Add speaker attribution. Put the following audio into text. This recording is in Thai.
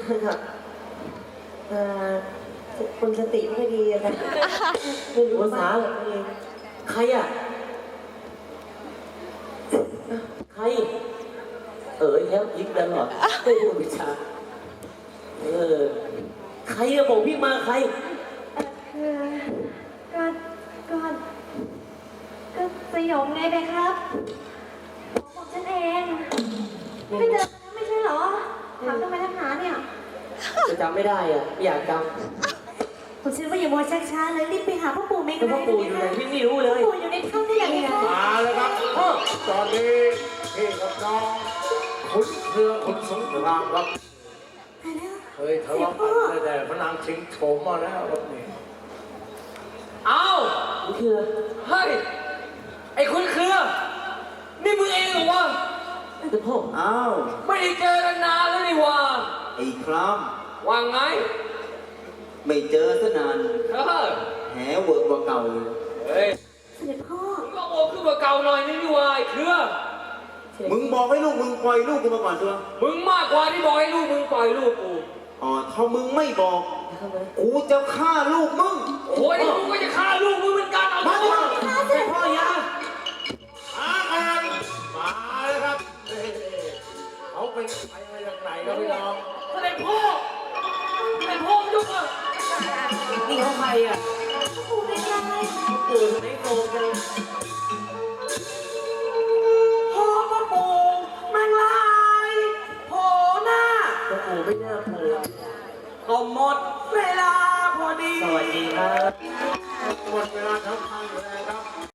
Speaker 1: คนสติไม่ดีนะไม่รู้ภาษาหรอกเองใครอ่ะใครแล้วยิ้มตลอดไม่รู้วิชาใครอะบอกพี่มาใคร
Speaker 2: คือก็ก็ก็สยองไงไปครับบอกฉันเองไม่เจอกันแล้วไม่ใช่เหรอถามทำไมนักหนาเนี่ย
Speaker 1: จะจำไม่ได้อ่ะอยากจ
Speaker 2: ผมเชื่อว่าอย่ามัวช้าๆเลยรีบไปหาพ่อปู่เมฆเลย
Speaker 1: ำพ่อปู่อยู่ไหนพี่ไม่รู้เลย
Speaker 2: ปู่อยู่ในถ้ำได้ยังไง
Speaker 3: มาแล้วครับตอนนี้พี่กับน้องขุนเรือขุนสงครามครับเฮ้ยทะเลาะกันแต่พนังชิงโฉมมาแล้วรถนี้
Speaker 4: เอา
Speaker 1: นี่คือ
Speaker 4: เฮ้ยไอ้คุณเครือนี่มึงเองเหรอวะ
Speaker 1: แต่พ่อ
Speaker 5: อ้าว
Speaker 4: ไม่ได้เจอกันนานแล้วนี่วะ
Speaker 5: ไอ้คราม
Speaker 4: ว่าไง
Speaker 5: ไม่เจอซะนานแหเวิร์กกว่าเก่าเลย
Speaker 4: เฮ้ย
Speaker 2: เสด็จพ่อ
Speaker 4: มึงก็โอ้ขึ้นมาเก่าหน่อยนี่วะไอ้เครือ
Speaker 5: มึงบอกให้ลูกมึงปล่อยลูกกูมาก่อนตัว
Speaker 4: มึงมากกว่าที่บอกให้ลูกมึงปล่อยลูกกู
Speaker 5: ถ้ามึงไม่บอกกูจะฆ่าลูกมึง
Speaker 4: โอ้ยกูก็จะฆ่าลูกมึงเหมือนกันเอา
Speaker 5: มาดิ
Speaker 1: พ่อยา
Speaker 3: มากันมาเลยครับเขาเป็นใครมาจากไหนครับพี่น้อง
Speaker 4: เสด็จพ่อยุกอ่ะ
Speaker 1: นี่เขาใครอ่ะ
Speaker 2: ปู่เป็นยังไง
Speaker 1: ปู่ไม่โตกัน
Speaker 4: พ่อพ่อปู่มังลายโผล่หน้า
Speaker 1: พ่อปู่ไม่น่าโผล่
Speaker 4: ก็หมดเวลาพอดี
Speaker 1: สวัสดีครับ
Speaker 3: หมดเวลาทำงานอยู่แล้วครับ